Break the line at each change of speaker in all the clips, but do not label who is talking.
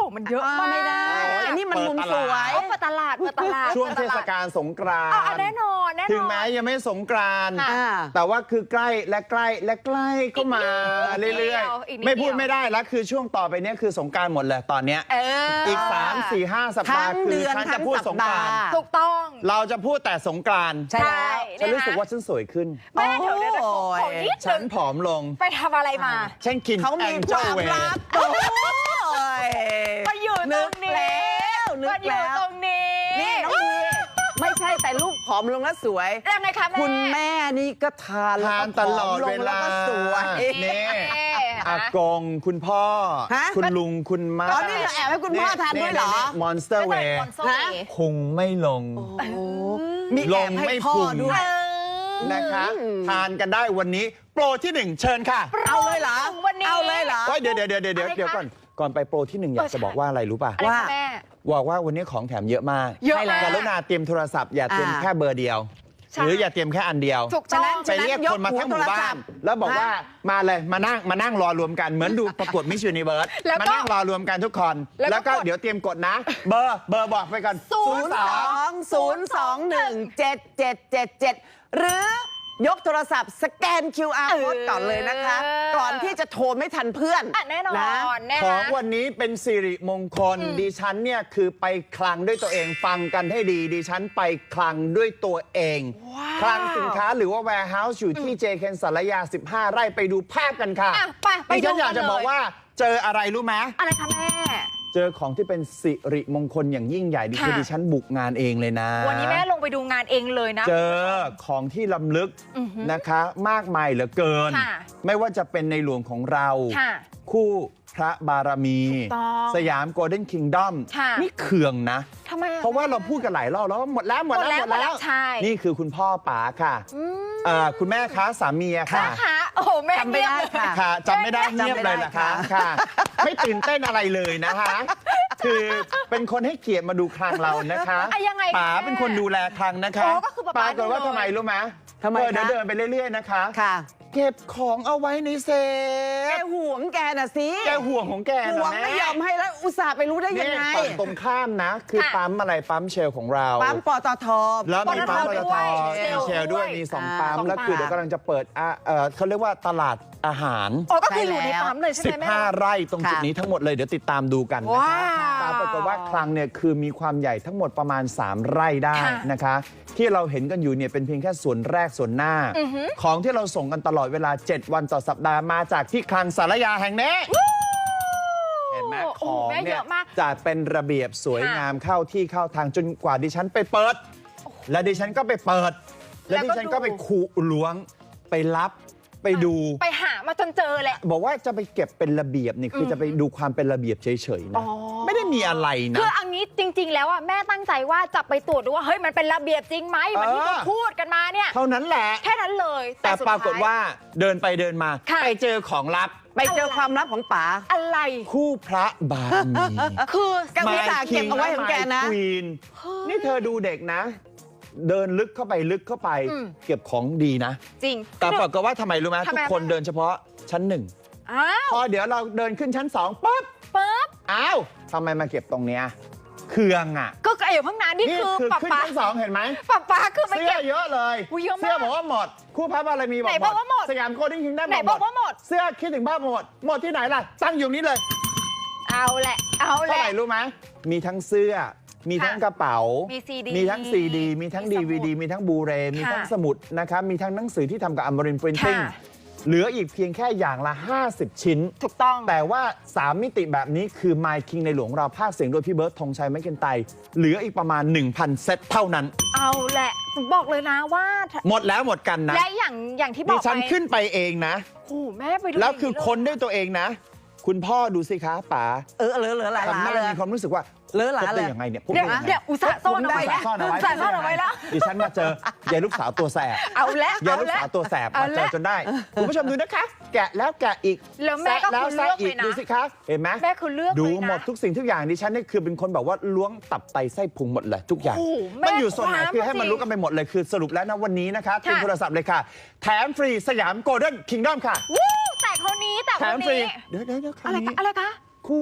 มันเยอะมาก
ไม่ได้อันนี้มันมุมสวย
เปิดตลาด
ช่วงเทศกาลสงกรานต์
แน่นอน
ถึงแม้ยังไม่สงกรานต์แต่ว่าคือใกล้และใกล้และใกล้ก็มาเรื่อยๆไม่พูดไม่ได้แล้วคือช่วงต่อไปนี้คือสงกรานต์หมดเลยตอนเนี้ยอีก3 4 5 สัปดาห์คือฉันจะพูดสงกรานต์
ถูกต้อง
เราจะพูดแต่สงกรานต์
ใช่
ฉันรู้สึกว่าฉันสวยขึ้น
แม่เดี๋ยว
ฉันผอมลง
ไปทำอะไรมา
ฉันกินแองเจิลเวย์
ไปอยู่ตรงนี้
นึกแล้ว
ตรงนี้
นี่น้องดีไม่ใช่แต่ลูกผอมลงแล้วสวย
ยังไงคะแม่
คุณแม่นี่ก็ทาน
ตลอดเวลา
สวย
นี่อากงคุณพ่อคุณลุงคุณม้า
ตอนนี้แอบให้คุณพ่อทานด้วยเหรอ
มอนสเตอร์เวย์พุงไม่ลง
มีแอบให้พ่อด้วย
นะคะทานกันได้วันนี้โปรที่1เชิญค่ะ
เอาเลยเหรอเอาเลยเหรอ
เดี๋ยวก่อนไปโปรที่1อยากจะบอกว่าอะไรรู้ป่ะ
ว่า
บอกว่าวันนี้ของแถมเยอะมากกรุณาเตรียมโทรศัพท์อย่าเตรียมแค่เบอร์เดียวหรืออย่าเตรียมแค่อันเดียวไปเรียกคนมาทั้งหมู่บ้านแล้วบอกว่ามาเลยมานั่งรอรวมกันเหมือนดูประกวดมิสยูนิเวิร์สมานั่งรอรวมกันทุกคนแล้วก็เดี๋ยวเตรียมกดนะเบอร์บอกไปก่อน
02-021-7777หรือยกโทรศัพท์สแกน QR code ก่อนเลยนะคะก่อนที่จะโทรไม่ทันเพื่อน
แน่นอน
ของวันนี้เป็นสิริมงคลดิฉันเนี่ยคือไปคลังด้วยตัวเองฟังกันให้ดีดิฉันไปคลังด้วยตัวเองคลังสินค้าหรือว่า warehouse อยู่ที่เจเคนสารยา15 ไร่ไปดูภาพกันค่ะ
ไปดูกันเลย
อยากจะบอกว่าเจออะไรรู้ไหม
อะไรคะแม่
เจอของที่เป็นสิริมงคลอย่างยิ่งใหญ่ดิฉันบุกงานเองเลยนะ
วันนี้แม่ลงไปดูงานเองเลยนะ
เจอของที่ล้ำลึกนะคะมากมายเหลือเกินไม่ว่าจะเป็นในหลวงของเราคู่พระบารมีสยามโกลเด้นคิงดอมนี่เคืองนะเพราะว่าเราพูดกันหลายรอบแล้วหมดแล้วนี่คือคุณพ่อป๋าค่ะคุณแม่คะสามีค่ะ
โอ้โหแม่
จำไม่ได้
ค่ะจำไม่ได้เงียบเลยนะคะค่ะไม่ตื่นเต้นอะไรเลยนะคะคือเป็นคนให้เกียรติมาดูคลังเรานะคะป๋าเป็นคนดูแลคลังนะคะป๋าเกิดว่าทำไมรู้ไหมเดินไปเรื่อยๆนะคะเก็บของเอาไว้ในเซฟ
แกห่วงแกน่ะสิ
แกห่วงของแกนะ
ห่วงไม่ยอมให้แล้วอุตส่าห์ไปรู้ได้ยังไง
ตรงข้ามนะคือปั๊มอะไรปั๊มเชลของเรา
ปั๊มปตท
แล้วมีปั๊มปตทมีเชลด้วยมี2ปั๊มแล้วคือเดี๋ยวกำลังจะเปิดเขาเรียกว่าตลาดอาหาร
ก็คืออยู่ในปั๊มเลยใช่ไหม
15 ไร่ตรงจุดนี้ทั้งหมดเลยเดี๋ยวติดตามดูกันนะคะปรากฏว่าคลังเนี่ยคือมีความใหญ่ทั้งหมดประมาณ3 ไร่ได้นะคะที่เราเห็นกันอยู่เนี่ยเป็นเพียงแค่ส่วนแรกส่วนหน้าของที่เราส่งกันตลอดเวลา7 วันต่อสัปดาห์มาจากที่คลังสารยาแห่งนี้เห็นไหมของเนี่ยจะเป็นระเบียบสวยงามเข้าที่เข้าทางจนกว่าดิฉันไปเปิดและดิฉันก็ไปเปิดและดิฉันก็ไปขูดล้วงไปรับไปดู
ไปหามาจนเจอแหละ
บอกว่าจะไปเก็บเป็นระเบียบนี่คือจะไปดูความเป็นระเบียบเฉยๆนะไม่ได้มีอะไรนะ
คืออันนี้จริงๆแล้วอ่ะแม่ตั้งใจว่าจะไปตรวจดูว่าเฮ้ยมันเป็นระเบียบจริงไหมเหมือนที่เขาพูดกันมาเนี่ย
เท่านั้นแหละ
แค่นั้นเลย
แต่ปรากฏว่าเดินไปเดินมาไปเจอของลับ
ไปเจอความลับของป๋า
อะไร
คู่พระบารมี
คือ
แกวิสาเก็บเอาไว้ของแกนะ
นี่เธอดูเด็กนะเดินลึกเข้าไปเก็บของดีนะ
จริง
แต่ปรากฏว่าทำไมรู้ไหมทุกคนเดินเฉพาะชั้น1พอเดี๋ยวเราเดินขึ้นชั้น2ปุ๊บอ้าวทำไมมาเก็บตรงเนี้ยเครื่องอ่ะ
ก็ไอ้ข้างหน้านี่คือ
ขึ้นชั้น2เห็นไหม
ป๊าคือ
เสื้อเยอะเลยเสื้อบอกว่าหมดคู่พระบารมีบอกหมดสยามโกลเด้นคิงดอม
บอกว่าหมด
เสื้อคิดถึงบ้าหมดที่ไหนล่ะตั้งอยู่นี้เลย
เอาแหละเท่า
ไหร่รู้ไหมมีทั้งเสื้อมีทั้งกระเป๋ามีทั้งซีดีมีทั้งDVDมีทั้งบูเรมีทั้งสมุดนะครับมีทั้งหนังสือที่ทำกับอมรินทร์พรินติ้งเหลืออีกเพียงแค่อย่างละ50 ชิ้น
ถูกต้อง
แต่ว่า3 มิติแบบนี้คือ My King ในหลวงเราภาคเสียงโดยพี่เบิร์ดธงชัยแมคเคนไตร์เหลืออีกประมาณ 1,000 เซตเท่านั้น
เอาแหละบอกเลยนะว่า
หมดแล้วหมดกันนะ
และอย่างที่บอกไป
ดิฉันขึ้นไปเองนะ
โอ้แม่ไปดู
แล้วคือคนด้วยตัวเองนะคุณพ่อดูสิคะป๋า
เหลือหลายล้านเลย
มีความรู้สึกว่า
เลย
ยังไงเนี่ย
เนี่ยอุตส่าห์ซ่อนเอาไว้แล้ว
ดิฉันมาเจอยายลูกสาวตัวแสบ
เอาแล้ว
ยายลูกสาวตัวแสบมาเจอจนได้คุณผู้ชมดูนะคะแกะแล้วแกะอีก
แล้วแม่ก็คือเลือกเลยนะ
ดูสิคะเห็นไหม
แม่คือเลือก
ดูหมดทุกสิ่งทุกอย่างดิฉันนี่คือเป็นคนแบบว่าล้วงตับไตไส้พุงหมดเลยทุกอย่างมันอยู่ส่วนไหนคือให้มันรู้กันไปหมดเลยคือสรุปแล้วนะวันนี้นะคะทีมโทรศัพท์เลยค่ะแถมฟรีสยามโกลเด้นคิงดอมค่ะ
แต่คนนี้
แถมฟรีเดี๋ยว
อะไรคะ
คู่พ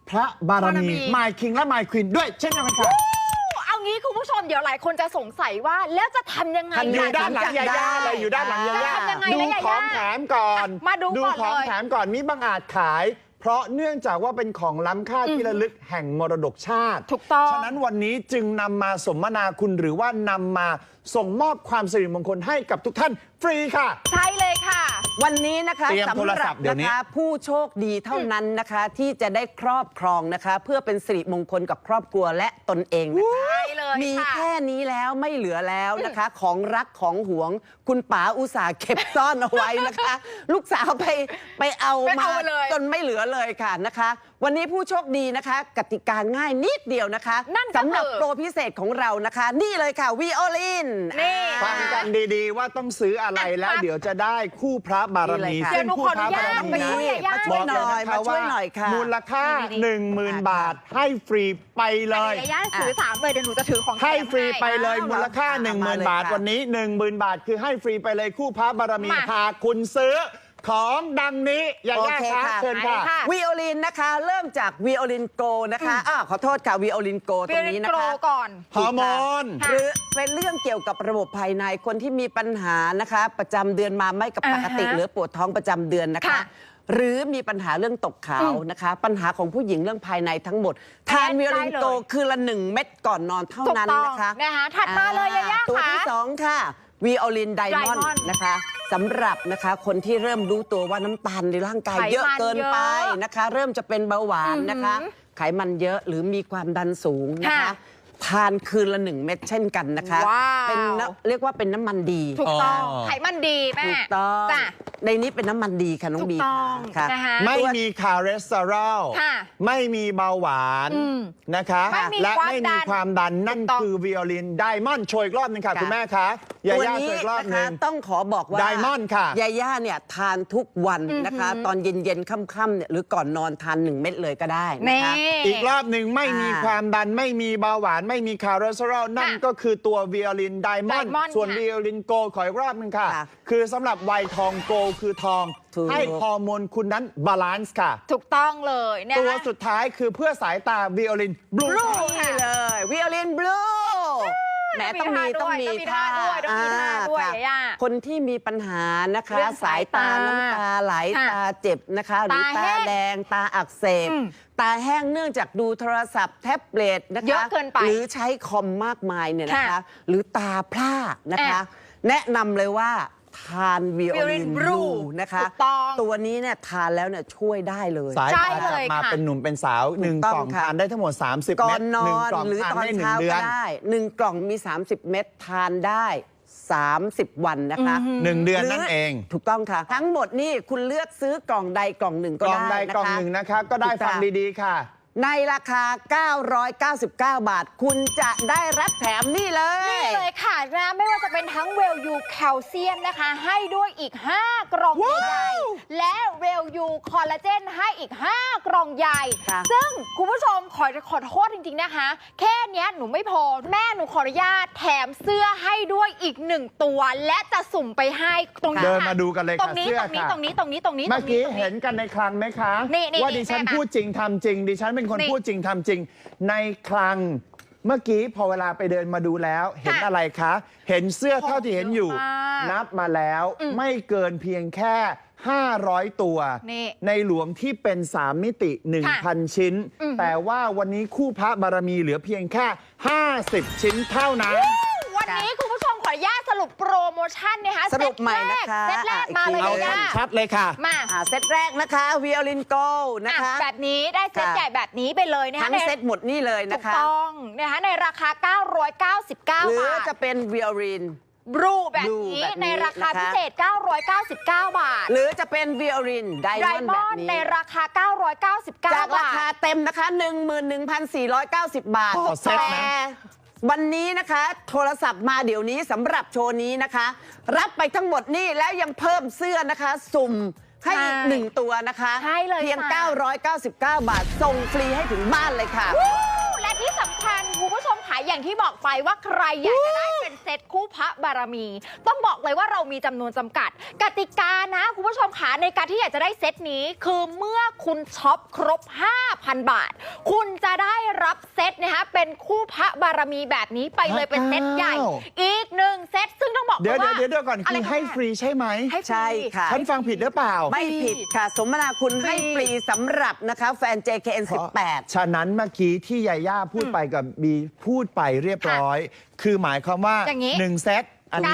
พระบารมี My King และ My Queen ด้วยเช่นเดียวกันค่ะ
เอางี้คุณผู้ชมเดี๋ยวหลายคนจะสงสัยว่าแล้วจะทำยังไง
อยู่ด้านหลังยาย่าเลยอยู่ด้านหลังยาย่า
จะทำยังไง
ดู
นะยาย่า
ของแถมก่อน
มาดูก่อน
ของ
เลย
แถมก่อนมีบางอาจขาย เพราะเนื่องจากว่าเป็นของล้ำค่าที่ระลึกแห่งมรดกชาติ
ถูกต้อง
ฉะนั้นวันนี้จึงนำมาสมนาคุณหรือว่านำมาส่งมอบความสิริมงคลให้กับทุกท่านฟรีค่ะ
ใช่เลยค่ะ
วันนี้นะคะ
เตรียมโทรศัพท์เดี๋ยวนี้
นะคะผู้โชคดีเท่านั้นนะคะที่จะได้ครอบครองนะคะ เพื่อเป็นสิริมงคลกับครอบครัวและตนเองนะคะ
ใช่เลย
มี
ค่ะ
แค่นี้แล้วไม่เหลือแล้วนะคะ ของรักของหวง คุณป๋าอุตส่าห์เก็บซ่อนเอาไว้นะคะ ลูกสาวไปเอา
ไป
มา
เอาเลย
จนไม่เหลือเลยค่ะนะคะ วันนี้ผู้โชคดีนะคะ กติกาง่ายนิดเดียวนะคะ
นั่นก็คือ
สำหรับโปรพิเศษของเรานะคะ นี่เลยค่ะวีโอลิน
นี่
ฟังกันดีๆว่าต้องซื้ออะไรแล้วเดี๋ยวจะได้คู่พระบารมี
นี่เลยค่ะ
ซึ่งคู่พระบารมี
เดี๋ยวหนูขออนุญาตไปช่วยยาย่า
บอกเลยนะคะ
มาช่วยหน่อยค่ะ
มูลค่า 10,000 บาทให้ฟรีไปเลย
เดี๋ยวย่าถือ3เลยเดี๋ยวหนูจะถือของแถม
ให้ฟรีไปเลย
ให้
มูลค่า
เอามาเลย
10,000 บาท
ค่ะ
วันนี้ 10,000 บาทคือให้ฟรีไปเลยคู่พระบารมี
มา
หากคุณซื้อของดังนี้อย่า
โอ
แยก
เค
ค่ะ
ค่ะ
เชิญค่ะ
ไปค่ะ
วีโอลินนะคะ เริ่มจากวีโอลินโกนะคะขอโทษค่ะวีโอลินโกตรงนี้นะ
โกร
คะ
ก่อน
ฮอร์โมน
ค่ะ
หรือเป็นเรื่องเกี่ยวกับระบบภายในคนที่มีปัญหานะคะ ประจำเดือนมาไม่กับปกติ
อ่าฮะ
หรือปวดท้องประจำเดือนนะคะ
ค่ะ
หรือมีปัญหาเรื่องตกขาวนะคะ ปัญหาของผู้หญิงเรื่องภายในทั้งหมด ทานวีโอลินโก
ได้เลย
คือละ1 เม็ดก่อนนอนเท่านั้น
ถูกต้อง
นะคะ
นะคะถัดมาเลยยาย่า
ตัว
ค่ะ
ที่2ค่ะวีโอลินไดมอนด์
Diamond
นะคะสำหรับนะคะคนที่เริ่มรู้ตัวว่าน้ำตาลในร่างกายเยอะเกินไปนะคะ เริ่มจะเป็นเบาหวานนะคะ ไขมันเยอะหรือมีความดันสูงนะคะ
ค่ะ
ทานคืนละ1 เม็ดเช่นกันนะคะ
ว้าว
เป็นเรียกว่าเป็นน้ำมันดี
ถูกต้อง
อ๋อ
ไขมันดีแม่
ถูกต้อง
จ้ะ
ในนี้เป็นน้ำมันดีค่ะน้อง
ถูก
บี
ต้อง
ค่ะ
นะคะ
ไม่มีคอเลสเตอรอล
ค่ะ
ไม่มีเบาหวาน
อืม
นะคะ
ไม่มี
และ
ความ
ไม่
ดั
มี
น
ความดันนั่น
ถูกต้อง
คือวิโอลินไดมอนด์โชว์อีกรอบหนึงค่ะ
ค่ะ
คุณแม่คะยา
ตัว
ย่า
นี้
โชว์อีกรอบ
นะ
หนึ
คะ
ง
ต้องขอบอกว่า
Diamond ค่ะ
ยาย่าเนี่ยทานทุกวันนะคะ ตอนเย็นๆค่ำๆเนี่ยหรือก่อนนอนทาน1 เม็ดเลยก็ได้นะ
นี่
คะ
อีกรอบหนึ่งไม่มี
อ่า
ความดันไม่มีเบาหวานไม่มีคอเลสเตอรอลนั่นก็คือตัววิโอลินไดมอนด์
Diamond
ส่วน
ค่ะ
วิโอลินโกขออีกรอบหนึงค่ะ
ค่ะ
คือสำหรับวัยทองโกคือทอง
ถูก
ให้ฮอร์โมนคุณนั้นบาลานซ์ค่ะ
ถูกต้องเลยเนี่ย
ตัวสุดท้ายคือเพื่อสายตาวิโอลินบลู
Blue
นี่เลยวิโอลินบลูแหมต้องมี
ต้องมีท่าด้วยต้องมีท่าด้วย
ค่ะ
ย่า
คนที่มีปัญหานะคะ
เรื่อง
สายตาน้ำตาไหล
ค่ะ
ตาเจ็บนะคะ หรือ
ตา
ตา
แห้ง
แดงตาอักเสบ
อืม
ตาแห้งเนื่องจากดูโทรศัพท์แท็บเล็ตนะคะ
เยอะเกินไป
หรือใช้คอมมากมายเนี่ยนะคะ
ค่ะ
หรือตาพร่านะคะ แนะนำเลยว่าทานวิโอลิน
Violin
บลู
Blue
นะคะ
ถูกต้อง
ตัวนี้เนี่ยทานแล้วเนี่ยช่วยได้เลย
สาย
ใช่
ตา
เล
กลับ
ย
มา
ค่ะ
เป็นหนุ่มเป็นสาวหนึ่ง
ถูกต้
ก
อง
ล่อง
ค่ะ
ทานได้ทั้งหมด 30
ก่อ
เม็
น
ด
น
หนึ่ง
อน
กล่อง
หรือ
ทาน
ตอน
ได้1
เช้า
เดือ
ก็
น
ได้1 กล่องมี 30 เม็ดทานได้ 30 วันนะคะ
1 เดือน
หรื
นั่นเอง
ถูกต้องค่ะ ทั้งหมดนี่คุณเลือกซื้อกล่องใดกล่องหนึ่ง
ก
ก็
ล่องใด
ได้นะคะ
กล่องหนึ่งนะคะ ก็ได้
ถูก
ฟัง
ค่ะ
ดีๆค่ะ
ในราคา 999 บาท คุณจะได้รับแถมนี่เลย
นี่เลยค่ะนะไม่ว่าจะเป็นทั้งเวลยูแคลเซียมนะคะ ให้ด้วยอีก 5 กล่องใหญ่ๆและเวลยูคอลลาเจนให้อีก 5 กล่องใหญ่
ค่ะ
ซึ่งคุณผู้ชมขอโทษจริงๆนะคะ แค่เนี้ยหนูไม่พอแม่หนูขออนุญาตแถมเสื้อให้ด้วยอีก 1 ตัว และจะสุ่มไปให้ตรงนี้
เดิน
ค่ะ
มาดูกันเลย
ตร
ค่ะ
งนี้
เสื้อ
ตรงนี้
ค่ะ
ตรงนี้ตรงนี้ตรงนี้
เมื่อกี้
ตรง
เห็นกันในคลังไหมคะ
นี่
ว่าดิฉัน
แม่มา
พูดจริงทำจริง ดิฉันเป็นคน
นี่
พูดจริงทำจริง ในคลังเมื่อกี้พอเวลาไปเดินมาดูแล้ว เห็นอะไรคะ เห็นเสื้อเท่าที่เห็นอยู่
ของเยอะมาก
นับมาแล้วไม่เกินเพียงแค่ 500 ตัว
นี่
ในหลวงที่เป็น 3 มิติ 1,000 ชิ้น แต่ว่าวันนี้คู่พระบารมีเหลือเพียงแค่ 50 ชิ้นเท่านั้น
วันนี้คุณผู้ชมขออนุญาตสรุปโปรโมชั่นนะคะ
สรุปใหม่นะคะ
เซตแรกมาเลย
เอา
ย่า
ชัดๆเลยค่ะ
มา
เซตแรกนะคะวิโอลินโกนะคะ
แบบนี้ได้เซต
ค่ะ
ใหญ่แบบนี้ไปเลยนะคะ
ทั้งเซตหมดนี่เลย
ถู
นะ
ก
คะ
ต้องนะคะในราคา 999 บา
หรือ
ท
จะเป็นวิโอลิน
บลูแบบ
Blue
นี้
แบบนี้
ในราคา
นะคะ
พิเศษ 999 บาท
หรือจะเป็นวิโอลินได
ได
มอนด์
ม
แบ
อบ นด์
นี้
ในราคา 999
จากรา
บา
คา
ท
เต็มนะคะ 11,490 บาท
ต่อเซตนะ
แต่วันนี้นะคะโทรศัพท์มาเดี๋ยวนี้สำหรับโชว์นี้นะคะ รับไปทั้งหมดนี่แล้วยังเพิ่มเสื้อนะคะ สุ่มให้อีก
ใช่
1 ตัวนะคะ
ใช่เลย
เพียง
ค่ะ
999 บาท ส่งฟรีให้ถึงบ้านเลยค่ะ
วู้และที่สำคัญคุณผู้ชมขายอย่างที่บอกไปว่าใครอยากจะได้เป็นเซซตคู่พระบารมี ต้องบอกเลยว่าเรามีจำนวนจำกัดกติกานะคุณผู้ชมคะในการที่อยากจะได้เซตนี้คือเมื่อคุณช็อปครบ 5,000 บาท คุณจะได้รับเซตนะคะเป็นคู่พระบารมีแบบนี้ไปเลยเป็นเซตใหญ่ อีก1 เซตซึ่งต้องบอก
เดี๋ยว
ว่า
เดี๋ยวก่อนคือให้ฟรีใช่ไหม
ให้ฟรี
ใช่ค่ะ
ฉันฟังผิดหรือเปล่า
ไม่ผิดค่ะ สมนาคุณให้ฟรีสำหรับนะคะแฟน JKN18
ฉะนั้นเมื่อกี้ที่ยาย่าพูดไปกับบีพูดไปเรียบร้อย คือหมายความว่า
อย่างนี้
1 เซตอันนี้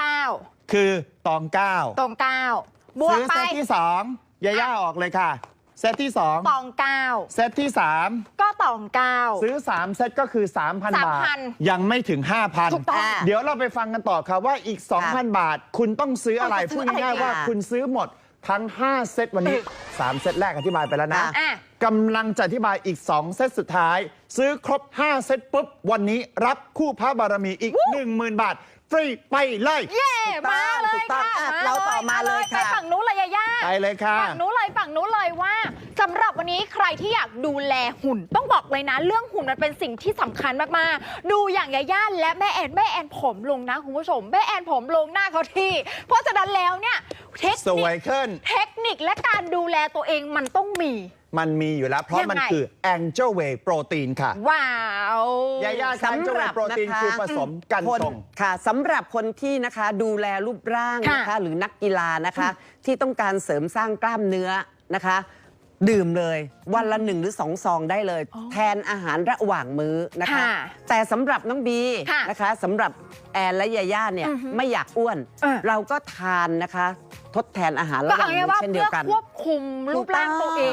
999
คือตอง
ตรง9บวก
ซื้อ
ไป
เซตที่ 2ยาย่าออกเลยค่ะ เซตที่
ตอง
2 เซตที่
9ก็ตอง
3 ซื้อ 3 เซตก็คือ 3,000 บาท
3,000
ยังไม่ถึง
ถูกต้อง
5,000 เดี๋ยวเราไปฟังกันต่อค่ะว่าอีก 2,000 บาท คุณต้องซื้ออะไร
ต้องซื้
พู
อ
ด
อะไร
ง่ายๆว่า
ค่ะ
คุณซื้อหมดทั้ง 5 เซตวันนี้ 3 เซตแรกอธิบายไปแล้วนะ
อ่ะ
กำลังจะอธิบายอีก 2 เซตสุดท้าย ซื้อครบ 5 เซตปุ๊บ วันนี้รับคู่พระบารมีอีก 10,000 บาท ฟรีไปเลย
เย่มาเลย
ถูกต้อง
ค่ะ
อ่ะเราต่อมาเลย
ไป
ค่ะ
ฝั่งนู้นเลยยาย่า
ไปเลยค่ะ
ฝั่งนู้นเลยว่าสำหรับวันนี้ใครที่อยากดูแลหุ่น ต้องบอกเลยนะ เรื่องหุ่นมันเป็นสิ่งที่สำคัญมากๆ ดูอย่างยาย่าและแม่แอนผมลงนะคุณผู้ชมแม่แอนผมลงหน้าเขาที่ เพราะฉะนั้นแล้วเนี่ยเทค
ส
นิ
ว
ค
ยขึ้น
เทคนิคและการดูแลตัวเองมันต้องมี
มันมีอยู่แล้ว เพราะมัน
ยังไง
คือ Angel Way โปรตีนค่ะ
ว้าว
ยาย่า Angel Way โปรตีนคือผสมกัน
คน
ชง
ค่ะสำหรับคนที่นะคะดูแลรูปร่างนะคะ
ค่ะ
หรือนักกีฬานะคะ ที่ต้องการเสริมสร้างกล้ามเนื้อนะคะ ดื่มเลยวันละ1 หรือ 2 ซองได้เลย แทนอาหารระหว่างมื้อนะคะ
ค่ะ
แต่สำหรับน้องบี
ค่ะ
นะคะสำหรับแอนและยาย่าเนี่ยไม่อยากอ้วน เราก็ทานนะคะ ทดแทนอาหาร
ก็
ระหว่า
เอา
ง
ง่าย
มื้
ว่า
อเช่นเดี
เพื่
ย
อ
วกัน
ควบคุมรูปร่างตัวเอง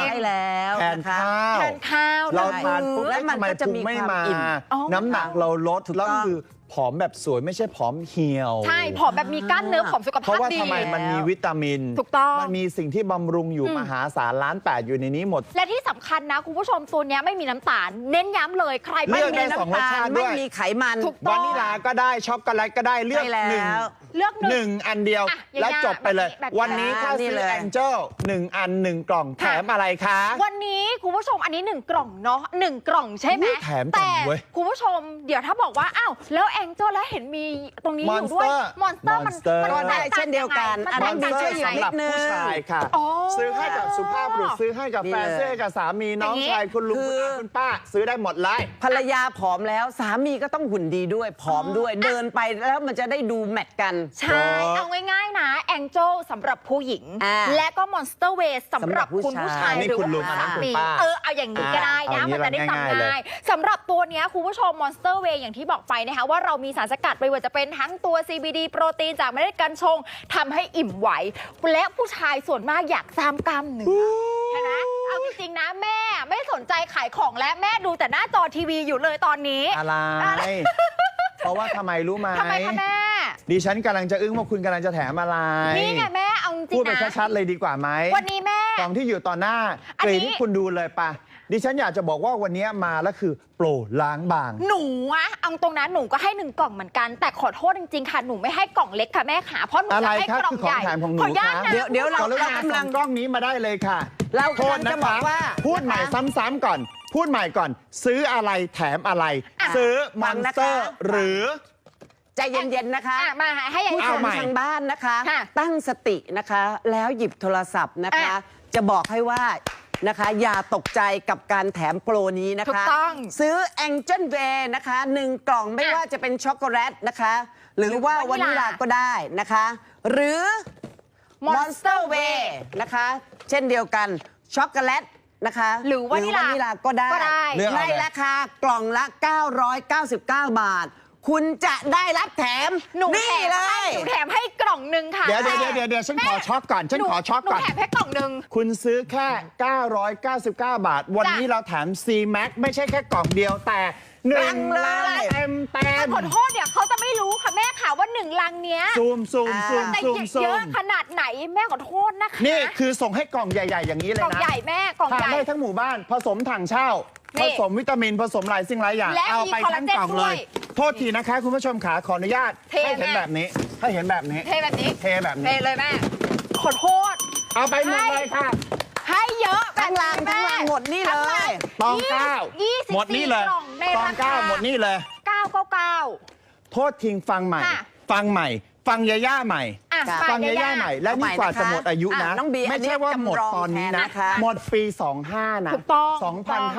ใช่แล้ว
แทน
นะคะ
ข้าว
แทนข้าว
เรา
ได้
ทานปุ๊บ
และมัน
ทำไม
ก็จะ
พุง
มี
ไม่
ความ
มา
อิ่ม
อ๋อ
น้ำหนักเราลด
ถูก
แล้ว
ต้อง
คือผอมแบบสวยไม่ใช่ผอมเหี่ยว
ใช่ผอมแบบมีกล้ามเนื้อผอมสุข
เพ
ภาพ
ราะว่า
ดี
ทำไมมันมีวิตามิน
ถูกต้อง
มันมีสิ่งที่บำรุงอยู่มหาศาล1,800,000อยู่ในนี้หมด
และที่สำคัญนะคุณผู้ชมตัวเนี้ยไม่มีน้ำตาล เน้นย้ำเลยใคร
เลื
ไม่
อก
มี
ได้
น้ำ
สองรสชาติด้
ไม่
วย
มีไขมัน
ถูกต้
วา
อง
นิลาก็ได้ช็อกโกแลตก็ได้เลือก
ใช่แล้ว
หนึ่ง
เลือกหนึ่ง
อันเดียว
อ่ะ
แล้วจบไปเลย
แบบนี้
วันนี้ถ้า
นี่
ซื้อ
เลย
Angel 1 อัน 1 กล่องแถ
ค่ะ
มอะไรคะ
วันนี้คุณผู้ชมอันนี้1 กล่องเนาะ1 กล่องใช่ไหม
อุ๊ยแถมกล่อง
แต่
เว้ย
คุณผู้ชมเดี๋ยวถ้าบอกว่าอ้าวแล้วแองเจิลแล้วเห็นมีตรงนี้อยู่ด้วย
Monster
มอนสเตอร์มัน
Monster
มัน
ก็ได้เช่นเดียวกัน
มั
อันนั้น
แตก
มี
ต่าง
ช่วย
ยัง
นิ
ไง
ดนึง
ผู้ชายค่ะ
อ๋อ
ซื้อให้กับสุภาพบุรุษซื้อให้กับแฟน
นี่เลย
ซื้อให้กับสามีน้อง
อย่างนี้
ชายคุณลุง
คื
คุณ
อ
อาคุณป้า ซื้อได้หมดเลย
ภรรยาผอมแล้วสามีก็ต้องหุ่นดีด้วยผอมด้วย เดินไปแล้วมันจะได้ดูแมทกัน
ใช่ เอาง่ายๆนะแองเจิลสำหรับผู้หญิง
อ่า
และก็มอนสเตอร์เวสสำหรับคุณผู้ชาย
อันนี้
หรือ
คุณลุ
ว่าง
อันนั้นคุณ
สามี
ป้า
เอาอย่างนี้ก็ได้นะ
เอาอย่างนี้
มันจะได้
ง่ายๆ
จำ
เลย
ง่ายสำหรับตัวเนี้ยคุณผู้ชมมอนสเตอร์เวอย่างที่บอกไปนะคะว่าเรามีสารสกัดไม่ว่าจะเป็นทั้งตัว CBD โปรตีนจากเมล็ดกัญชงทำให้อิ่มไหว และผู้ชายส่วนมากอยากสร้างกล้ามเนื้อใช่ไหมเอาจริงๆนะแม่ไม่สนใจขายของและแม่ดูแต่หน้าจอทีวีอยู่เลยตอนนี้
อะไร เพราะว่าทำไมรู้ไหม
ทำไมคะแม่
ดิฉันกำลังจะอึ้งว่าคุณกำลังจะแถมอะไร
นี่ไงแม่เอาจริ
พูด
ง
ไป
ๆนะ
ชัดๆเลยดีกว่าไหม
วันนี้แม่
กล่องที่อยู่ต่อหน้า
อัน
ก
นี้
รีที่คุณดูเลยปะดิฉันอยากจะบอกว่าวันนี้มาแล้วคือโปรล้างบาง
หนูอะเอาตรงนั้นหนูก็ให้1 กล่องเหมือนกัน แต่ขอโทษจริงๆค่ะหนูไม่ให้กล่องเล็กค่ะแม่ขาเพราะหนู
อะไร
จะให้
ครับ
กล่อง
คือของ
ใหญ่
แถมของหนู
ขออนุญาต
ครับ
นะ
เดี๋ยวเรา
ขออนุญาต
กำลั
ส่
ง
งกล้องนี้มาได้เลยค่ะ
เรา
โทษ
กำลัง
นะ
จะบอ
คะ
กว่า
พูดใหม่ซ้ำๆก่อน พูดใหม่ก่อน ซื้ออะไรแถมอะไร ซื้อม
ฟั
อน
ง
ส
นะคะ
เตอร์หรือ
ใจเย็นๆนะคะ
อ่ะมาให้อย่าง
ผู้
นี้
ช
เอา
ม
ใหม่
ทางบ้านนะคะ
ค่ะ
ตั้งสตินะคะ แล้วหยิบโทรศัพท์นะคะ
อ่ะ
จะบอกให้ว่านะคะ อย่าตกใจกับการแถมโปรนี้นะคะ
ถูกต้อง
ซื้อ Angel Way นะคะ1 กล่องไม่
อ่ะ
ว่าจะเป็นช็อกโกแลตนะคะ หรือว่าวาว
านิ
นิ
ลา
ลาก็ได้นะคะ หรือ Monster Way นะคะ เช่นเดียวกันช็อกโกแลตนะคะ
หรือวานิลา
ก็ได้
ก็ได้
เลือกเอา
ใน
เลย
ราคากล่องละ 999 บาท คุณจะได้รับแถม
หนูแถ
นี่
ม
เล
ให้
ย
หนูแถมให้กล่องหนึ่งค่ะ
เดี๋ยวฉันขอช็อกก่อน ฉันขอช็อกก่อน
หนูแถมให้กล่องหนึ่ง
คุณซื้อแค่ 999 บาท วันนี้เราแถม C Max ไม่ใช่แค่กล่องเดียวแต่1
ลังเลย
เต็ม
ขอโทษเดี๋ยวเขาจะไม่รู้ค่ะแม่ค่ะว่า1 ลังเนี้ย
ซูม
แต่
ซู
เยอะ
ม
ขนาดไหนแม่ขอโทษนะคะ
นี่คือส่งให้กล่องใหญ่ ๆ อย่างนี้เล
ก
ย
ล่อง
นะ
ใหญ่แม่กล่อง
ทาน
ใหญ่
ได้ทั้งหมู่บ้านผสมถังเช่า
นี่
ผสมวิตามินผสมหลายสิ่งหลายอย่าง
และ
เอาไป
มีคอลลา
ทั้ง
เจน
กล่องเล
ด้วย ย
โทษทีนะคะคุณผู้ชมขาขออนุญาต
เท
ให้เห็น
แม่
แบบนี้ ให้เห็นแบบนี้
เทแบบนี้
เทแบบ
เท
นี้
เลยแม่ขอโทษ
เอาไปหมดเลยค่ะ
ให้เยอะแบบ
ทั้งลัง
นี้
ทั้งลังหมดนี่เลย
ตองเก้า
24
หมดนี่เลย
กล่องใน
ตอง
รา
เก้า
คา
หมดนี่เลย
999
โทษทิ้งฟังใหม่
ค่ะ
ฟังใหม่ ฟังยาย่าใหม่
อ่ะ
ฟังยาย่าใหม่ และนี่กว่าจะหมดอายุนะ
น้องบี
ไม่ใช่ว่าหมดตอนนี้นะ
จำลองแทนนะคะ
หมดปี 25 นะ
ถูกต้อง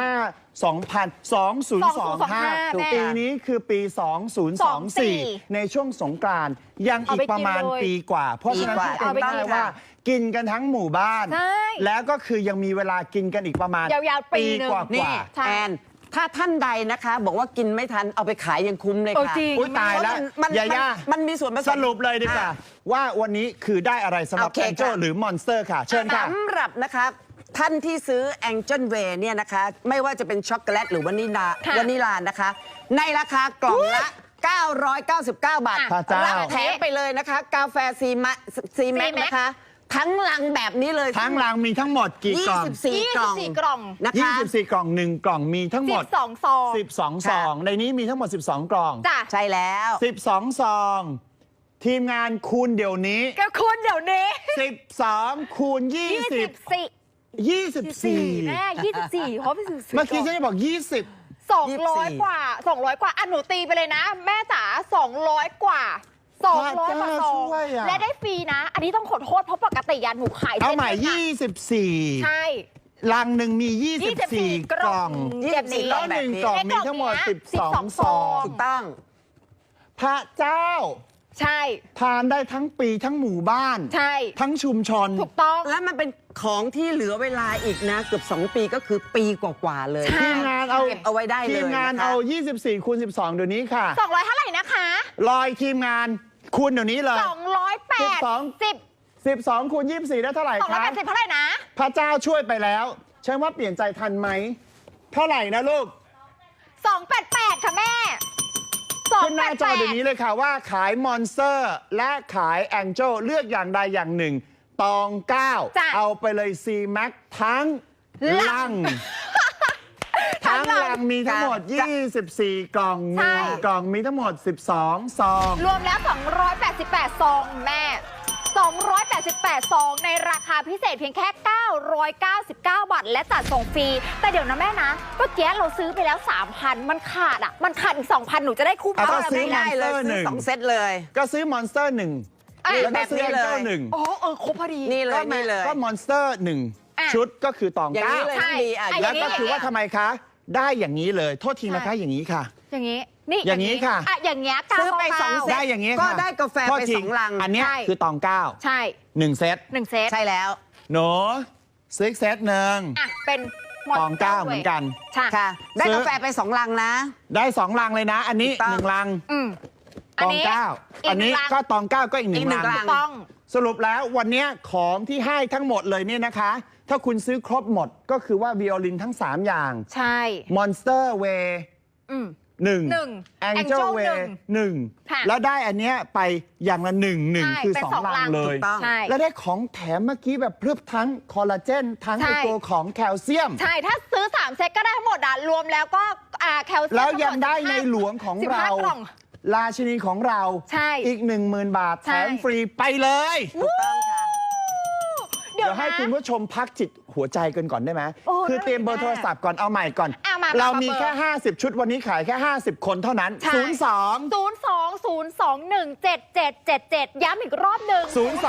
2025 ปีนี้คือปี 2024 ในช่วงสงกรานต์ยังอีกประมาณปีกว่า เพราะฉะนั้น
ปีกว่า
ทุกคนได้ว่า กินกันทั้งหมู่บ้าน
ใช่
แล้วก็คือยังมีเวลากินกันอีกประมาณ
ยาวๆปีหนึ่ง
กว่า
นี่
ใช่
แอนถ้าท่านใดนะคะ บอกว่ากินไม่ทันเอาไปขายยังคุ้มเลย
โอ้
ค่ะ
จริง
อุ๊ยตายแล้ว
มัน
ยาย่า
มันมีส่วนผสม
สรุปเลยดีกว่า ว่าวันนี้คือได้อะไรสำหรับ
โอเค
แองเจิล
ค่ะ
หรือมอนสเตอร์ค่ะ เชิญค่ะ
สำหรับนะคะท่านที่ซื้อ Angel Way เนี่ยนะคะ ไม่ว่าจะเป็นช็อกโกแลตหรือวานิลานะคะ ในราคากล่องละ 999 บาท
พระเจ้า
รับแถมไปเลยนะคะ กาแฟซีแม็กนะคะ ทั้งลังแบบนี้เลย
ทั้งรังมีทั้งหมดกี่กล่อง
24 กล่อง
24 กล่อง
นะคะ
24 กล่อง 1 กล่องมีทั้งหมด
12 ซอง
12 ซอง ในนี้มีทั้งหมด 12 กล่อง
จ้ะ
ใช่แล้ว
12 ซอง ทีมงานคูณเดี๋ยวนี้
ก็คุณเดี๋ยวนี้
12 คูณ 20 24
แม่24เขาไปซื้อ
เมื่อกี้ฉันจะบอก 20
200 กว่า 200 กว่าอ่ะหนูตีไปเลยนะ แม่จ๋า200 กว่า 200 กว่าซอง
พระเจ้าช่วยอะ
และได้ฟรีนะ อันนี้ต้องขอโทษเพราะปกติยาหนูขาย
เอา
เส้น
ใหม่
หนึ่งอะใช่
24 ลังหนึ่งมี 24 กล่อง
แบบนี้
แล้วหนึ่งกล่องมีทั้งหมด 12 ซอง
ถูกต้อง
พระเจ้า
ใช่
ทานได้ทั้งปีทั้งหมู่บ้าน
ใช่
ทั้งชุมชน
ถูกต้อง
แล้วมันเป็นของที่เหลือเวลาอีกนะ เกือบ 2 ปีก็คือปีกว่าๆเลย
ใช่
ทีมงานเอา
เก็บเอาไว้ได้เลย
ทีมงาน
นะคะ
เอา 24 คูณ 12 เดี๋ยวนี้ค่ะ
200 เท่าไหร่นะคะ
ลอยทีมงานคูณเดี๋ยวนี้เลย
280
12 คูณ 24 ได้เท่าไหร่ครับ
280 เท่าไหร่นะ
พระเจ้าช่วยไปแล้วฉันว่าเปลี่ยนใจทันไหม เท่าไหร่นะลูก
288 ค่ะแม่
ขึ้นหน้าจอเดี๋ยวนี้เลยค่ะว่าขายมอนสเตอร์และขายแองเจิลเลือกอย่างใดอย่างหนึ่ง ตอง
จ้ะ
9 เอาไปเลย C Max ทั้งลัง ทั้งลังมีทั้งหมด 24 กล่อง
ใช่
1 กล่องมีทั้งหมด 12 ซอง
รวมแล้ว 288 ซองแม่ 288 ซองในราคาพิเศษเพียงแค่ 999 บาท และจัดส่งฟรี แต่เดี๋ยวนะแม่นะเมื่อกี้เราซื้อไปแล้ว 3,000 มันขาดอ่ะ มันขาดอีก 2,000 หนูจะได้คุ้ม
เอา
เท่า
ก็
ไหร่
ซื้อ
ไม่ได้
ได้เลย
Monster
ซื้อ
หนึ่ง
2 เซตเลย
ก็ซื้อมอนสเตอร์1
อ่ะ
แล้วก็ซื้อ
แบบนี้
แอง
เลย
เจิล1
โอ้ครบพอดี
นี่เลยนี่เลย
ก็มอนสเตอร์
อ่ะ
1 ชุดก็คือตอง
อย่างนี้เลย
ใช่
น้องบีอ่ะ
อ่ะ
แล้วก็คือว่าทำไมคะ ได้อย่างนี้เลย โทษทีนะคะ
ใช่
อย่างนี้ค่ะ
อย่างนี้ นี่
อย่างนี้ค่ะ
อ่ะ อย่างเงี้ย
ซื้อไป
999
2 เซต
ได้อย่างนี้
ก็
ค่ะ
ได้กาแฟ
โทษ
ไป
ที
2 ลัง
อันเนี้ย
ใช่
คือตอง 9
ใช่
1 เซต
1 เซต
ใช่แล้ว
หนูซื้ออีกเซตหนึ่ง
อ่ะ เป็น
ตอง 9 เหมือนกัน
ใช่
ค่ะ ได้
ซื้อ
กาแฟไป 2 ลังนะ
ได้ 2 ลังเลยนะ อันนี้
ถูกต้อง
1 ลัง
อืม
ตอง 9 อันนี้ก็ตอง 9 ก็อีก
อีก
1
หนึ่
ลั
ง
ง
ลัง
ต้อง
สรุปแล้ววันเนี้ยของที่ให้ทั้งหมดเลยเนี่ยนะคะ ถ้าคุณซื้อครบหมดก็คือว่าวิโอลินทั้ง 3 อย่าง
ใช่
Monster Way
อืม
1
หนึ่ง
Angel
Angel
Way
ค่ะ
1 แล้วได้อันเนี้ยไปอย่างละ1
ใช่
คือ
เป็น
2 ลังเลย
ถูกต้อง
ใช่
แล้วได้ของแถมเมื่อกี้แบบเพิ่มทั้งคอลลาเจน ทั้ง
ใช่
ไอตัวของแคลเซียม
ใช่ ถ้าซื้อ 3 เซตก็ได้ทั้งหมดอ่ะ รวมแล้วก็แคลเซียม
แล้วยัง
ทั้หม
ได้ในหลวงของ
15
เรา
กล่อง
ราชินีของเรา
ใช่
อีก 10,000 บาท
ใช่
แถมฟรีไปเลย
ถูกต้องค่ะ
เดี๋ยว
เดี๋ยวให้
นะ
คุณผู้ชมพักจิตหัวใจกันก่อนได้ไหม
โอ้
คือเตรียมเบอร์โทรศัพท์ก่อนเอาใหม่ก่อน
อ่ะมา
เรา
มา
มี
เบอร์
แค่ 50 ชุดวันนี้ขายแค่ 50 คนเท่านั้น
ใช่ 02-021-7777 ย้ำอีกรอบหนึ่ง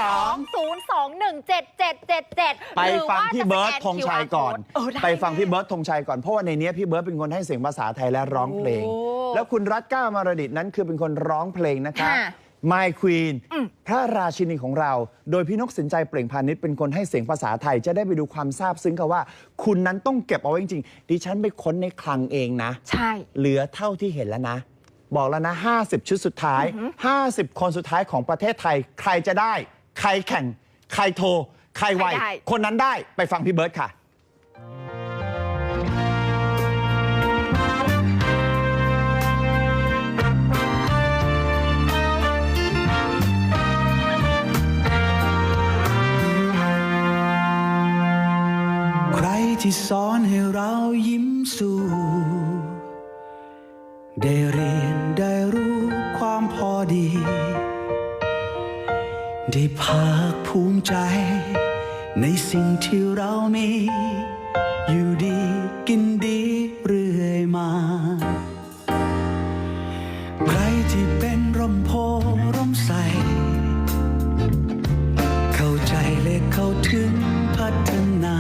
02-021-7777 ไปฟังพี่เบิร์ตธงชัยก่อน
ได้
ไปฟังพี่เบิร์ตธงชัยก่อน เพราะว่าในนี้พี่เบิร์ตเป็นคนให้เสียงภาษาไทยและร้องเพลง
โอ้
แล้วคุณรัตก้ามารดิตนั้นคือเป็นคนร้องเพลงนะคะ
ค่ะ
My Queen
อืม
พระราชินีของเรา โดยพี่นกสินใจเปล่งพาณิชย์เป็นคนให้เสียงภาษาไทย จะได้ไปดูความซาบซึ้งค่ะว่า คุณนั้นต้องเก็บเอาไว้จริงๆดิฉันไปค้นในคลังเองนะ
ใช่
เหลือเท่าที่เห็นแล้วนะ บอกแล้วนะ 50 ชุดสุดท้าย 50 คนสุดท้ายของประเทศไทย ใครจะได้ ใครแข่ง ใครโทร ใครไว
ใครได้
คนนั้นได้ไปฟังพี่เบิร์ตค่ะ
ใครที่สอนให้เรายิ้มสู่ ได้เรียนได้รู้ความพอดี ได้ภาคภูมิใจในสิ่งที่เรามี อยู่ดีกินดีเรื่อยมา ใครที่เป็นร่มโพร่มใสเข้าใจและเข้าถึงพัฒนา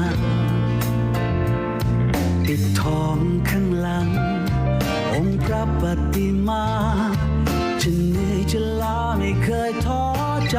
ปิดทองข้างหลังองค์พระปฏิมาจะเหนื่อยจะล้าไม่เคยท้อใจ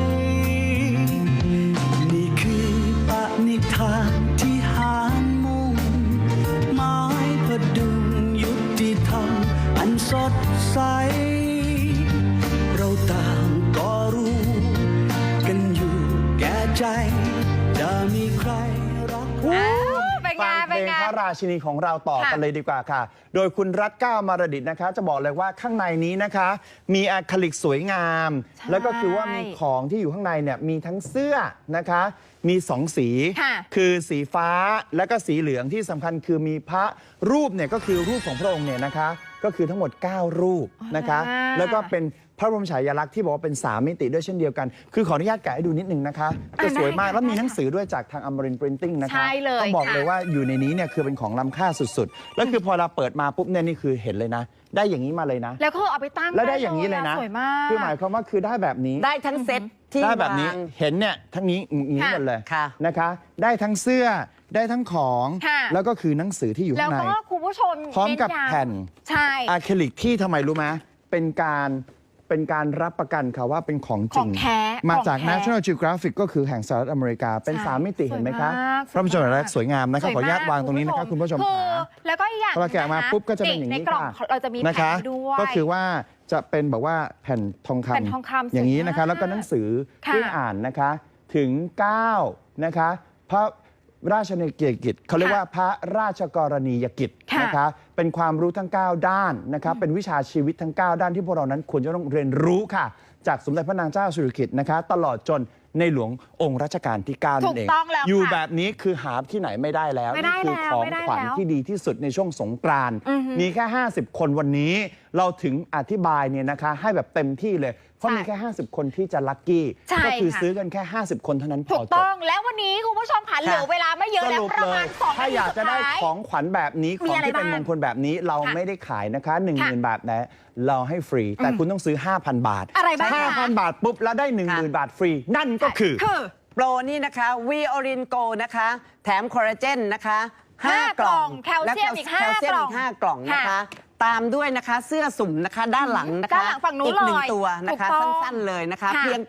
นี่คือปณิธานที่หารมุ่งหมายพดุงยุติธรรมอันสดใสเราต่างก็รู้กันอยู่แก่ใจจะมีใครรัก
เป็นไง
ฟังเพ
เป็
ล
น
ง
ไง
พระราชินีของเราต่อกันเลยดีกว่าค่ะ โดยคุณรัตน์ก้าวมารดิตนะคะ จะบอกเลยว่าข้างในนี้นะคะ มีอะคริลิกสวยงาม แล้วก็คือว่ามีของที่อยู่ข้างในเนี่ยมีทั้งเสื้อนะคะ มี2 สี
ค่ะ
คือสีฟ้าและก็สีเหลืองที่สำคัญคือมีพระรูปเนี่ยก็คือรูปของพระองค์เนี่ยนะคะ ก็คือทั้งหมด 9 รูปนะคะ แล้วก็เป็นพระบรมฉายาลักษณ์ที่บอกว่าเป็น3 มิติด้วยเช่นเดียวกัน คือขออนุญาตแกะให้ดูนิดนึงนะคะจะสวยมากแล้วมีหนังสือด้วยจากทางอมรินทร์ปรินติ้งนะคะ
ใช่เลย
ต้องบอก
ค่ะ
เลยว่าอยู่ในนี้เนี่ยคือเป็นของล้ำค่าสุดๆ แล้วคือพอเราเปิดมาปุ๊บเนี่ยนี่คือเห็นเลยนะ ได้อย่างนี้มาเลยนะ
แล้วก็เอาไปตั้ง
แล้วได้อย่างนี้เลยนะ
สวยมาก
คือหมายความว่าคือได้แบบนี้
ได้ทั้งเซ็ตที่
ได้แบบนี้
วาง
เห็นเนี่ยทั้งนี้อย่างนี้
ค่ะ
หมดเลย
ค่ะ
นะคะ ได้ทั้งเสื้อได้ทั้งของ
ค่ะ
แล้วก็คือหนังสือที่อยู่
แล้
ข้าว งใน
ก็คุณผู้ชม
พร้อมกับ
เย้ำ
แผ่น
ใช่
อะคริลิกที่ทำไมรู้ไหมเป็นการรับประกันค่ะว่าเป็นของจ
ข
ริ
อง
ง
แท้
มาจาก
ของแท้
National Geographic ก็คือแห่งสหรัฐอเมริกา เป็น
ใช่
3 มิติเห็นไหมคะ
สวยมาก
พระบรมฉายาลักษณ์สวยงามนะครับ
สวย
ขออนุญาต
มก
วางตรงนี้นะครับคุณผู้ชม
คือ
ขา
แล้วก็อีกอย่าง
พอเราแกะมาปุ๊บก็จะเป็นอย่างนี้
ในกล่อง
ค่ะ
เราจะมี
นะ
แผ่
คะ
นด้วย
ก็คือว่าจะเป็นแบบว่าแผ่นทองคำ
แผ่นทองคำ
อย่างนี้
สวยมาก
นะคะ แล้วก็หนังสือ
ค่ะ
ที่อ่านนะคะถึง 9 นะคะพระราชนิกิจเขาเรียกว่าพระราชกรณียกิจ
ค่ะ
นะคะเป็นความรู้ทั้ง 9 ด้านนะคะเป็นวิชาชีวิตทั้ง 9 ด้านที่พวกเรานั้นควรจะต้องเรียนรู้ค่ะ จากสมเด็จพระนางเจ้าสิริกิติ์นะคะตลอดจนในหลวงองค์รัชกาลที่ 9 นั่นเอง
ถูกต้องแล้ว
อยู่
ค่ะ
แบบนี้คือหาที่ไหนไม่ได้แล้ว
ไม่ได้
นี่คือ
แล้ว
ของ
ไม่ได้
ขวัญ
แล้ว
ที่ดีที่สุดในช่วงสงกรานต์
อือหือ
มีแค่ 50 คนวันนี้ เราถึงอธิบายเนี่ยนะคะให้แบบเต็มที่เลย เพราะ
ใช่
มีแค่ 50 คนที่จะลัคกี้
ใช่
ก็คือ
ค่ะ
ซื้อกันแค่ 50 คนเท่านั้นพ
ถู
อก จ
ต้
บ
องแล้ววันนี้คุณผู้ชมค่ะเหลือเวลาไม่เยอะ
ส
แล้ว
รุป
ประ
เล
มาณ
ย
2
ถ้าอยากจะได้ของขวัญแบบนี้ข
มี
อง
อะไร
ที่เป็น
บ้าง
มงคลแบบนี้เรา
ค่ะ
ไม่ได้ขายนะคะ 10,000 บาทนะเราให้ฟรี แต่คุณต้องซื้อ 5,000 บาท
อะไรบ้างคะ
5,000 บาทปุ๊บแล้วได้ 10,000 บาทฟรี นั่นก็คือ
คือ
โปรนี่นะคะวีออรินโกนะคะ แถมคอลลาเจนนะคะ
ห้า
5 กล่อง
แคลเซียมอีก
แคลเซียมอีก
ห้าก
5 กล่องนะคะ
ค่ะ
ตามด้วยนะคะเสื้อสุ่มนะคะด้านหลังนะคะ
ด้านหลังฝั่งนู้น
อีกหนึ่ง
เลย
ตัวนะคะ
ถูกต้อง
สั้นๆเลยนะคะ
ค่ะ
เพียง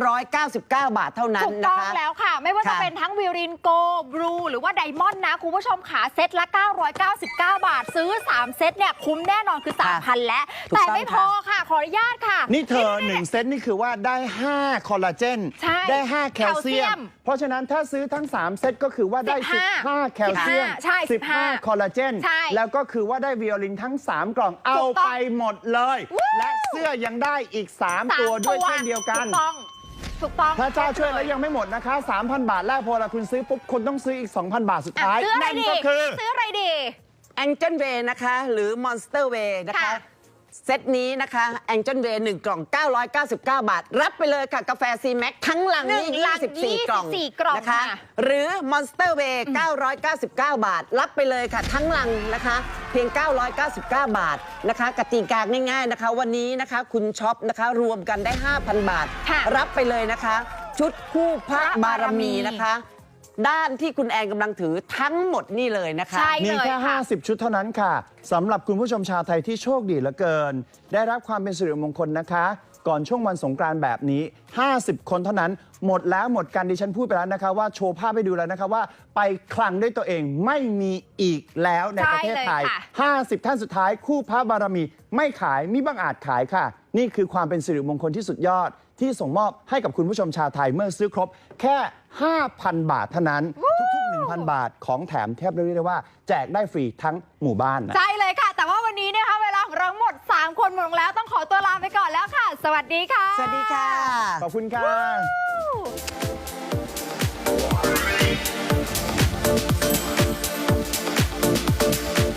999 บาทเท่านั้น
ถูก
นะ
ต้อง
คะ
แล้วค่ะ ไม่ว่าจะ
ค่ะ
เป็นทั้งวิรินโกบลูหรือว่าไดมอนด์นะ คุณผู้ชมขาเซตละ 999 บาท ซื้อ 3 เซตเนี่ย คุ้มแน่นอนคือ 3,000 แล้ว
ถูก
แต่
ต้อง
ไม่พอค่ะ ขออนุญาตค่ะ
นี่เธอ1 เซตนี่คือว่าได้ 5 คอลลาเจน
ใช่
ได้ 5 แคลเซีย
แคลเซีย
ม
ม
เพราะฉะนั้นถ้าซื้อทั้ง 3 เซตก็คือว่าได้ 15 แคลเซียม
ใช่15
15 คอลลาเจน
ใช่
แล้วก็คือว่าได้วิโอลินทั้ง 3 กล่องเอา
ถูกต้อง
ไปหมดเลย และเสื้อยังได้อีก 3 ตัวด้วยเช่นเดียวกัน
ถูกต้อง ถูกต้อง
พระเจ้าช่วยแล้วยังไม่หมดนะคะ 3,000 บาทแรกพอเราคุณซื้อปุ๊บคุณต้องซื้ออีก 2,000 บาทสุด
อ่ะ
ท้าย
ซื้ออะไร
นั่น
ดี
ก็คือ
ซื้ออะไรดี
Angel Way นะคะหรือ Monster Way นะคะ
ค่ะ
เซตนี้นะคะ Angel Way 1 กล่อง 999 บาท รับไปเลยค่ะ กาแฟ C-Max ทั้งลังนี่
1 ลัง
24 กล่อง
24 กล่อง
นะคะ
ค่ะ
หรือ Monster Way 999 บาท รับไปเลยค่ะ ทั้งลังนะคะ เพียง 999 บาทนะคะกติกาง่ายๆนะคะ วันนี้นะคะคุณช็อปนะคะรวมกันได้ 5,000 บาท
ค่ะ
รับไปเลยนะคะ ชุดคู่พระบารมีนะคะ ด้านที่คุณแอนกำลังถือทั้งหมดนี่เลยนะคะ
ใช่
มีแค่
เลยค่ะ
50 ชุดเท่านั้นค่ะสำหรับคุณผู้ชมชาวไทยที่โชคดีเหลือเกิน ได้รับความเป็นสิริมงคลนะคะ ก่อนช่วงวันสงกรานต์แบบนี้ 50 คนเท่านั้น หมดแล้วหมดกันดิฉันพูดไปแล้วนะคะว่าโชว์ภาพให้ดูแล้วนะคะว่าไปคลังด้วยตัวเองไม่มีอีกแล้วในประเทศไทย
ใช่เลยค่ะ
50 ท่านสุดท้ายคู่พระบารมีไม่ขายมิบังอาจขายค่ะ นี่คือความเป็นสิริมงคลที่สุดยอด ที่ส่งมอบให้กับคุณผู้ชมชาวไทยเมื่อซื้อครบแค่ 5,000 บาทเท่านั้น ทุกๆ 1,000 บาทของแถมแทบเรียกได้ว่าแจกได้ฟรีทั้งหมู่บ้านนะ
ใช่เลยค่ะ แต่ว่าวันนี้นะคะเวลาของเราหมด 3 คนหมดลงแล้วต้องขอตัวลาไปก่อนแล้วค่ะ สวัสดีค่ะ
สวัสดีค่ะ
ขอบคุณค่ะ